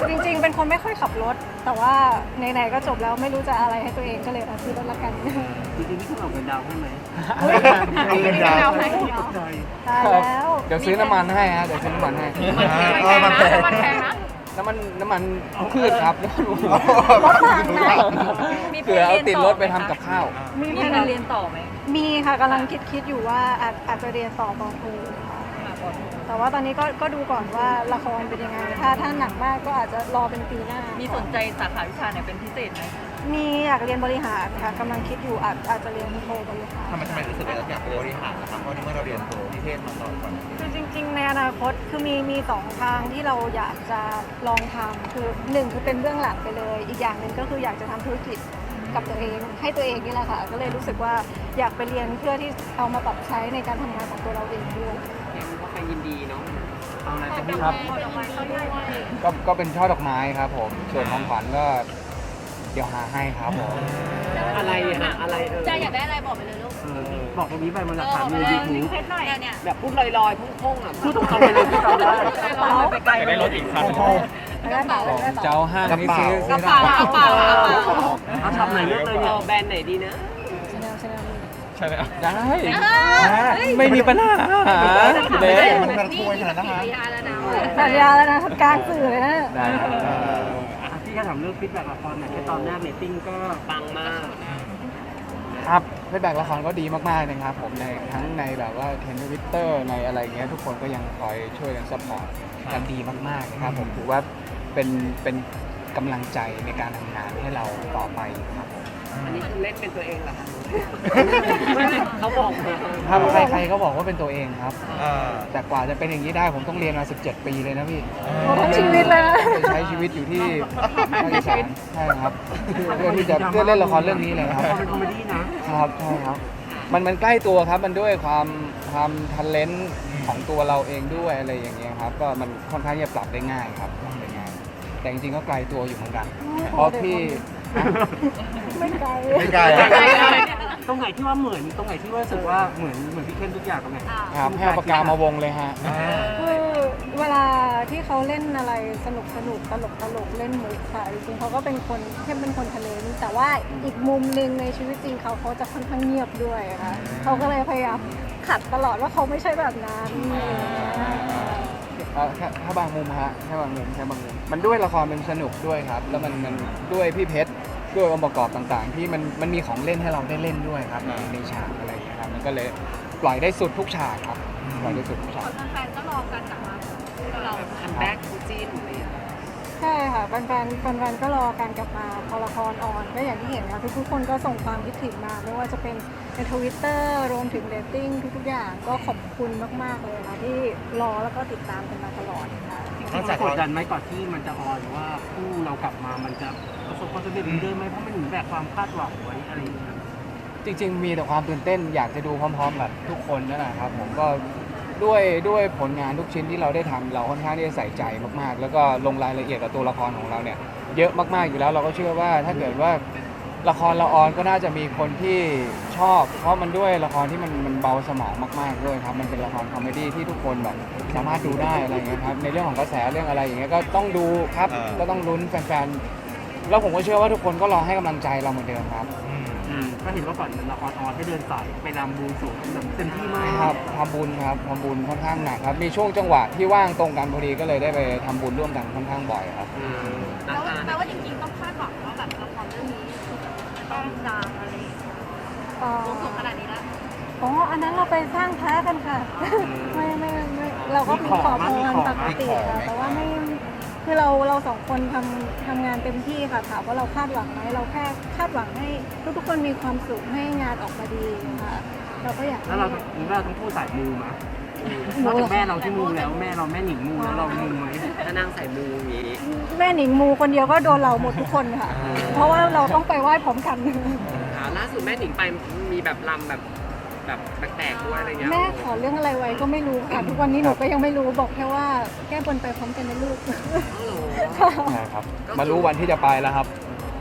จริงๆเป็นคนไม่ค่อยขับรถแต่ว่าไหนๆก็จบแล้วไม่รู้จะอะไรให้ตัวเองก็เลยซื้อรถละกันจริงๆนี่คือเอาเงินดาวให้ไหมเอาเงินดาวน์ให้ตกใจตายแล้วเดี๋ยวซื้อน้ำมันให้ฮะเดี๋ยวซื้อน้ำมันให้มันแพงน้ำมันพืชครับรถถังไหนเผื่อเอาติดรถไปทำกับข้าวมีมีแผการนเรียนต่อไหมมีค่ะกำลังคิดอยู่ว่าอาจจะเรียนต่อปอโทค่ะแต่ว่าตอนนี้ก็ดูก่อนว่าละครเป็นยังไงถ้าหนักมากก็อาจจะรอเป็นปีหน้ามีสนใจสาขาวิชาไหนเป็นพิเศษไหมมีอยากเรียนบริหารค่ะกำลังคิดอยู่อาจจะเรียนโทบริหารทำไมรู้สึกว่าเราอยากบริหารนะครับเพราะนี่เมื่อเราเรียนโทนิเทศมาก่อนคือจริงๆในอนาคตคือมีสองทางที่เราอยากจะลองทำคือหนึ่งคือเป็นเบื้องหลังไปเลย อีกอย่างหนึ่งก็คืออยากจะทำธุรกิจกับตัวเองให้ตัวเองนี่แหละค่ะก็เลยรู้สึกว่าอยากไปเรียนเพื่อที่เอามาปรับใช้ในการทำงานของตัวเราเองด้วยเห็นว่าใครยินดีเนาะเอาอะไรจะพูดครับ ก็เป็นช่อดอกไม้ครับผม ส่วนของขวัญก็เดี๋ยวหาให้ครับผมอะไรฮะอะไรจะอยากได้อะไรบอกไปเลยลูกบอกตรงนี้ไปมันหลักฐานมียูทูบเนี่ยแบบพูดลอยๆพุ่งๆอ่ะพูดตรงๆไปเลยที่ทำได้ไปไกลได้รถอีกคันไม่ได้เปล่าไม่ได้เปเจ้าล่าห้างนี่ซื้อกระเป๋ากระเป๋าเอาทำไหนเลือกเลยเนี่ยแบรนด์ไหนดีนะชแนลใช่ไหมได้ไม่มีปัญหาเด็มันคุยขนาดนั้นฮะยาแล้วนะสัญญาแล้วนะกลางสื่อเลยนะได้ครับพี่ก็ถามเรื่องฟีดแบ็กละครหน่อยแค่ตอนแรกเรตติ้งก็ปังมากครับฟีดแบ็กละครก็ดีมากๆนะครับผมในทั้งในแบบว่าเทรนด์ทวิตเตอร์ในอะไรเงี้ยทุกคนก็ยังคอยช่วยกันซัพพอร์ตกันดีมากๆนะครับผมถือว่าเป็นกำลังใจในการทำงานให้เราต่อไปครับผมอันนี้คือเล่นเป็นตัวเองเหรอคะเขาบอกมาถ้าใครๆก็บอกว่าเป็นตัวเองครับ แต่กว่าจะเป็นอย่างนี้ได้ผมต้องเรียนมา17 ปีเลยนะพี่โอ้ทั้งชีวิตเลยนะใช้ชีวิตอยู่ที่ภาคอีสานใช่ครับเพื่อที่จะเพื่อเล่นละครเรื่องนี้เลยครับเป็นคอมเมดี้นะครับใช่ครับมันใกล้ตัวครับมันด้วยความทันเลนต์ของตัวเราเองด้วยอะไรอย่างเงี้ยครับก็มันค่อนข้างจะปรับได้ง่ายครับปรับได้ง่ายแต่จริงๆก็ไกลตัวอยู่เหมือนกันเพราะพี่ไม่ไกลไม่ไกลตรงไหนที่ว่าเหมือนตรงไหนที่ว่ารู้สึกว่าเหมือนพี่เข้มทุกอย่างตรงไหนครับให้เอาปากกามาวงเลยฮะคือเวลาที่เขาเล่นอะไรสนุกตลกเล่นมุกค่ะจริงๆเขาก็เป็นคนเข้มเป็นคนทะเลนแต่ว่าอีกมุมหนึ่งในชีวิตจริงเขาจะค่อนข้างเงียบด้วยค่ะเขาก็เลยพยายามขัดตลอดว่าเขาไม่ใช่แบบนั้นถ้าบางมุมฮะแค่บางมุมมันด้วยละครมันสนุกด้วยครับ แล้วมันด้วยพี่เพชรด้วยองค์ประกอบต่างๆ ที่มันมีของเล่นให้เราได้เล่นด้วยครับในฉากอะไรอย่างเงี้ยครับมันก็เลยปล่อยได้สุดทุกฉากครับปล่อยได้สุดทุกฉากแฟนๆก็รอกันกลับมาเราคัมแบ็กคู่จิ้นอะไรอย่างเงี้ยใช่ค่ะแฟนๆก็รอการกลับมาพอละครออนก็อย่างที่เห็นค่ะทุกคนก็ส่งความคิดถึงมาไม่ว่าจะเป็นในทวิตเตอร์รวมถึงเรตติ้งทุกๆอย่างก็ขอบคุณมากๆเลยค่ะที่รอแล้วก็ติดตามกันมาตลอดค่ะนอกจากกดดันไหมก่อนที่มันจะออนว่าคู่เรากลับมามันจะประสบความสำเร็จเหมือนเดิมไหมเพราะมันเหมือนแบบความคาดหวังไว้อะไรอย่างเงี้ยจริงๆ มีแต่ความตื่นเต้นอยากจะดูพร้อมๆกับทุกคนนั่นแหละครับผมก็ด้วยผลงานทุกชิ้นที่เราได้ทำเราค่อนข้างที่จะใส่ใจมากๆ แล้วก็ลงรายละเอียดกับตัวละครของเราเนี่ยเยอะมากๆอยู่แล้วเราก็เชื่อว่าถ้าเกิดว่าละครเราออนก็น่าจะมีคนที่ชอบ เพราะมันด้วยละครที่มันเบาสมองมากๆด้วยครับมันเป็นละครคอมเมดี้ที่ทุกคนแบบสามารถดูได้อะไรอย่างเงี้ยครับในเรื่องของกระแสเรื่องอะไรอย่างเงี้ยก็ต้องดูครับก็ต้องลุ้นแฟนๆแล้วผมก็เชื่อว่าทุกคนก็รอให้กำลังใจเราเหมือนเดิมครับก็เห็นว่าก่อนละครออนให้เดินสายไปรำบวงสรวงแบบเต็มที่มากครับทำบุญครับทำบุญค่อนข้างหนักครับมีช่วงจังหวะที่ว่างตรงกันพอดีก็เลยได้ไปทำบุญร่วมกันค่อนข้างบ่อยครับแปลว่าจริงๆต้องคาดหวังว่าแบบละครเรื่องนี้ต้องดังอะไรวงสขนาดนี้แล้วอ๋ออันนั้นเราไปสร้างพระกันค่ะ ไม่เราก็มีขอพรปกติค่ะแต่ว่าไม่คือเราสองคนทำงานเต็มที่ค่ะถามว่าเราคาดหวังไหมเราแค่คาดหวังให้ทุกคนมีความสุขให้งานออกมาดีค่ะเราก็อยากแล้วเราต้องพูดสายมูมานอกจากแม่เราที่มูแล้วแม่เราแม่หนิงมูแล้วเรามูไหมถ้านางใส่มูอย่างงี้แม่หนิงมูคนเดียวก็โดนเราหมดทุกคนค่ะ เพราะว่าเราต้องไปไหว้พร้อมกันล่าสุดแม่หนิงไปมีแบบลำแบบแปลกๆด้วยอะไรเงี้ยแม่ขอเรื่องอะไรไว้ก็ไม่รู้ค่ะ ทุกวันนี้หนูก็ยังไม่รู้บอกแค่ว่าแก้บนไปพร้อมกันนะลูกอ๋อเหรอค่ะใช่ครับมารู้วันที่จะไปแล้วครับ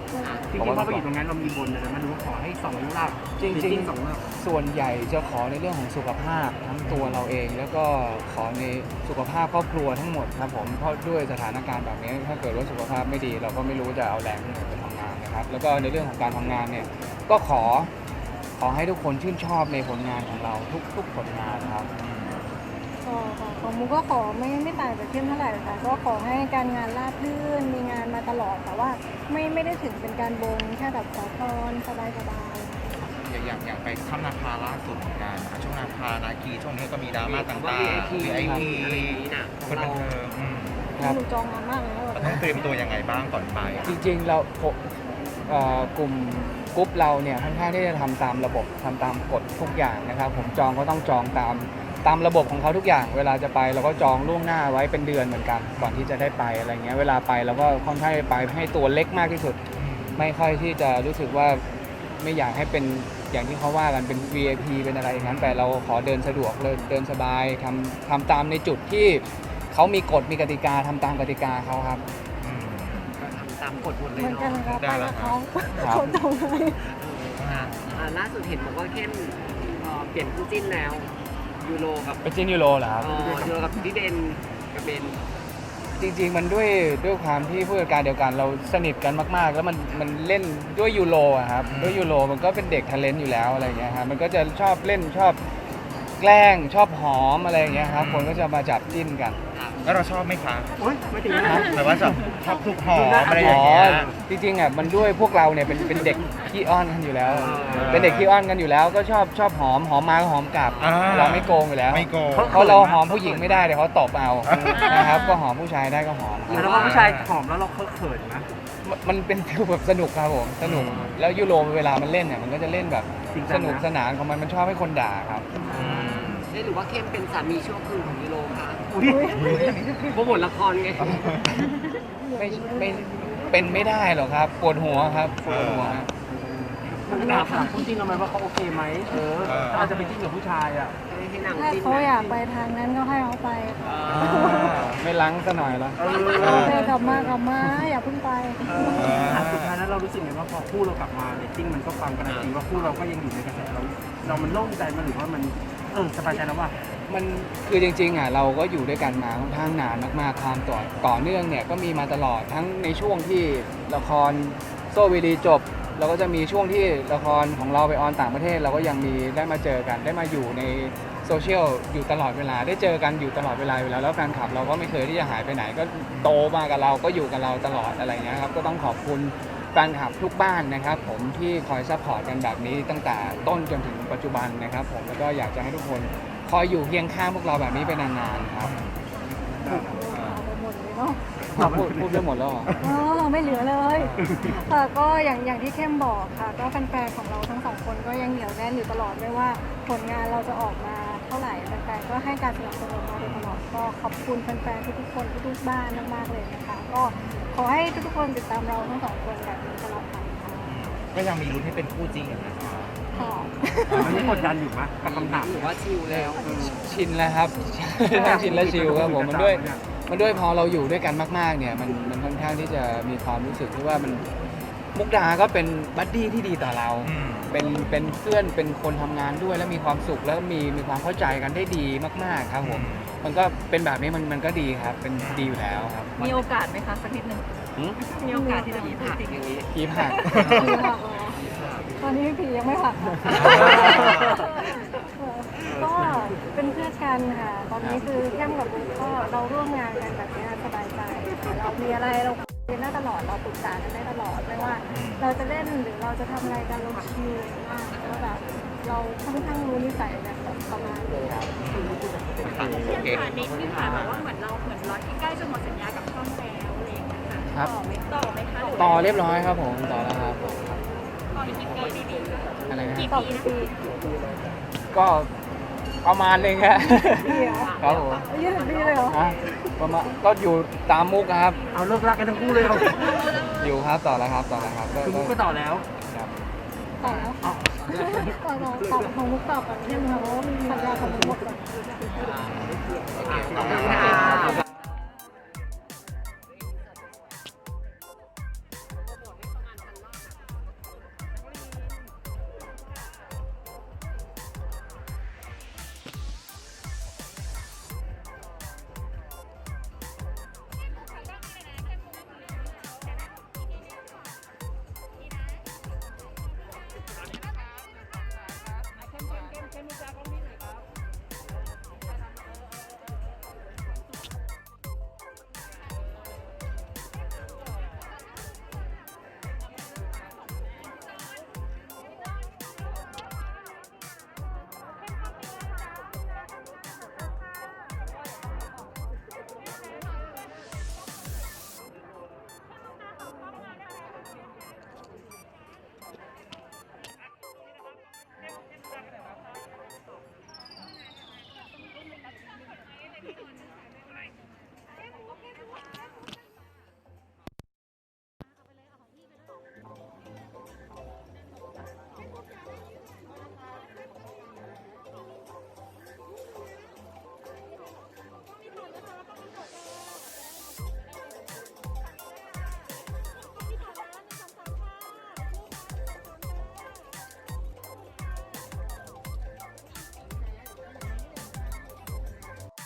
จริงๆพอไปอยู่ตรงนั้นเรามีบนอะไรมาดูว่าขอให้2 หลักจริง 2 หลักๆส่วนใหญ่จะขอในเรื่องของสุขภาพทั้งตัวเราเอง แล้วก็ขอในสุขภาพครอบครัวทั้งหมดครับผมเพราะด้วยสถานการณ์แบบนี้ถ้าเกิดว่าสุขภาพไม่ดี เราก็ไม่รู้จะเอาแรงที่ไหนไปทำงานนะครับแล้วก็ในเรื่องของการทำงานเนี่ยก็ขอให้ทุกคนชื่นชอบในผลงานของเราทุกผลงานครับของมุกก็ขอไม่ต่างจากเข้มเท่าไหร่ค่ะก็ขอให้การงานราบรื่นมีงานมาตลอดแต่ว่าไม่ได้ถึงเป็นการบนแค่แบบขอพรสบายอย่างไปถ้ำนาคาล่าสุดเหมือนกันนะคะช่วงนาคานาคีช่วงนี้ก็มีดราม่าต่าง VIP ๆ VIP อะไรอย่างนี้น่ะคนบันเทิงๆหนูจองงานมากเลยนะแบบต้องเตรียมตัวยังไงบ้างก่อนไปจริงๆเรากลุ่มกรุ๊ปเราเนี่ยค่อนข้างที่จะทำตามระบบทำตามกฎทุกอย่างนะครับผมจองก็ต้องจองตามระบบของเขาทุกอย่างเวลาจะไปเราก็จองล่วงหน้าไว้เป็นเดือนเหมือนกันก่อนที่จะได้ไปอะไรเงี้ยเวลาไปเราก็ค่อนข้างไปให้ตัวเล็กมากที่สุด ไม่ค่อยที่จะรู้สึกว่าไม่อยากให้เป็นอย่างที่เขาว่ากันเป็น VIP เป็นอะไรอย่างนั้นแต่เราขอเดินสะดวกเลยเดินสบายทำตามในจุดที่เขามีกฎมีกติกาทำตามกติกาเขาครับก็ทำตามกฎหมดเลยเหมือนกันเนาะนะคะไปกับเขาครับเขาจองให้ล่าสุดเห็นบอกว่าเข้มเปลี่ยนคู่จิ้นแล้วยูโรกับเป็นจินยูโรเหรอครับยูโรกับพี่เดนกับเบนจริงๆมันด้วยความที่ผู้จัดการเดียวกันเราสนิทกันมากๆ แล้วมันเล่นด้วยยูโรอะครับด้วยยูโรมันก็เป็นเด็กทาเลนต์อยู่แล้วอะไรเงี้ยครับมันก็จะชอบเล่นชอบแกล้งชอบหอมอะไรอย่างเงี้ยครับคนก็จะมาจับจิ้นกันแล้วเราชอบไหมคะโอ๊ยไม่ถึงนะหมายว่าชอบทุกหอมอะไรอย่างเงี้ยจริงๆอ่ะมันด้วยพวกเราเนี่ยเป็นเด็กขี้อ้อนกันอยู่แล้ว เป็นเด็กขี้อ้อนกันอยู่แล้ว ก็ชอบหอมมาก็หอมกลับ เราไม่โกงอยู่แล้วไม่โกงเพราะเราหอมผู้หญิงไม่ได้เดี๋ยวเขาตบเอานะครับก็หอมผู้ชายได้ก็หอมแล้วพอผู้ชายหอมแล้วเราเขินไหมมันเป็นฟิลแบบสนุกครับผมสนุกแล้วยูโรเวลามันเล่นเนี่ยมันก็จะเล่นแบบสนุกสนานของมันชอบให้คนด่าครับหรือว่าเข้มเป็นสามีชั่วคืนของยูโรค่ะอุ๊ยโปรโมทละครไงไม่เป็นไม่ได้หรอกครับปวดหัวครับปวดหัวมันถามคุณจริงเราไหมว่าเขาโอเคไหมถ้าเราจะไปจิ้นกับผู้ชายอ่ะให้นางถ้าจิ้นเขาอยากไปทางนั้นก็ให้เขาไปค่ะไม่ล้างซะหน่อยละโอเคกลับมาอย่าเพิ่งไปสุดท้ายแล้วเรารู้สึกไงว่าพอคู่เรากลับมาเรตติ้งมันก็ฟังกันจริงว่าคู่เราก็ยังอยู่ในกระแสเรามันโล่งใจมาหรือว่ามันสบายใจแล้วว่ามันคือจริงๆอ่ะเราก็อยู่ด้วยกันมาค่อนข้างนานมากๆความต่อเนื่องเนี่ยก็มีมาตลอดทั้งในช่วงที่ละครโซวีดีจบเราก็จะมีช่วงที่ละครของเราไปออนต่างประเทศ เราก็ยังมีได้มาเจอกันได้มาอยู่ในโซเชียลอยู่ตลอดเวลาได้เจอกันอยู่ตลอดเวลาอยู่แล้วแล้วแฟนคลับเราก็ไม่เคยที่จะหายไปไหนก็โตมากับเราก็อยู่กับเราตลอดอะไรเงี้ยครับก็ต้องขอบคุณแฟนคลับทุกบ้านนะครับผมที่คอยซัพพอร์ตกันแบบนี้ตั้งแต่ต้นจนถึงปัจจุบันนะครับผมแล้วก็อยากจะให้ทุกคนคอยอยู่เคียงข้างพวกเราแบบนี้ไปนานๆครับเอาไปหมดเลยเนาะพูดไปหมดแล้วเหรอไม่เหลือเลยค่ะก็อย่างที่เข้มบอกค่ะ ก็แฟนๆของเราทั้งสองคนก็ยังเหนียวแน่นอยู่ตลอดไม่ว่าผลงานเราจะออกมาเท่าไหร่แฟนๆก็ให้การสนับสนุนมาโดยตลอดก็ขอบคุณแฟนๆทุกๆคนทุกๆบ้านมากๆเลยนะคะก็ขอให้ทุกๆคนติดตามเราทั้งสองคนแบบนี้ตลอดไปค่ะก็ยังมีลุ้นให้เป็นคู่จริงอยู่นะคะค่ะมันยังกดดันอยู่มั้ยกับคำถามหรือว่าชิลแล้วชินแล้วครับ ชินและชิลครับผมมันด้วยพอเราอยู่ด้วยกันมากๆเนี่ยมันค่อนข้างที่จะมีความรู้สึกที่ว่ามันมุกดาก็เป็นบัดดี้ที่ดีต่อเรา เป็นเพื่อนเป็นคนทำงานด้วยแล้วมีความสุขแล้วมีความเข้าใจกันได้ดีมากๆครับผมมันก็เป็นแบบนี้มันก็ดีครับเป็นดีอยู่แล้วครับมีโอกาสไหมคะสักนิดนึงหืมมีโอกาสที่จะมีผัผักกอย่างนี้ผีผักผีหักเหรอตอนนี้ผียังไม่หักค่ะก็เป็นเพื่อนกันค่ะ ตอนนี้คือเข้มกับบุ๊กก็เราร่วมงานกันแบบนี้สบายใจค่ะเรามีอะไรเราคุยกันได้ตลอดเราปรึกษากันได้ตลอดไม่ว่า เราจะเล่นหรือเราจะทำอะไรกันเราชิลมากแล้วแบบเราค่อนข้างรู้นิสัยกันแบบประมาณนี้ค่ะโอเคผ่านนิดนึงค่ะแบบว่าเหมือนเราร้อยที่ใกล้จะหมดสัญญากับช่องแล้วอะไรอย่างเงี้ยค่ะครับต่อไหมคะต่อเรียบร้อยครับผมต่อแล้วครับต่ออีกกี่ปีดีอะไรนะต่อปีก็ประมาณนึงครับปีเหรอครับผม 20 ปีเลยเหรอฮะประมาณก็อยู่ตามมุกครับเอาเลิกรักกันทั้งคู่เลยเอาอยู่ครับต่อแล้วครับก็คือมุกก็ต่อแล้วครับต่อแล้วต่อของมุกต่อก่อนเข้มค่ะเพราะว่ามีสัญญาของมุกหมดก่อนขอบคุณค่ะ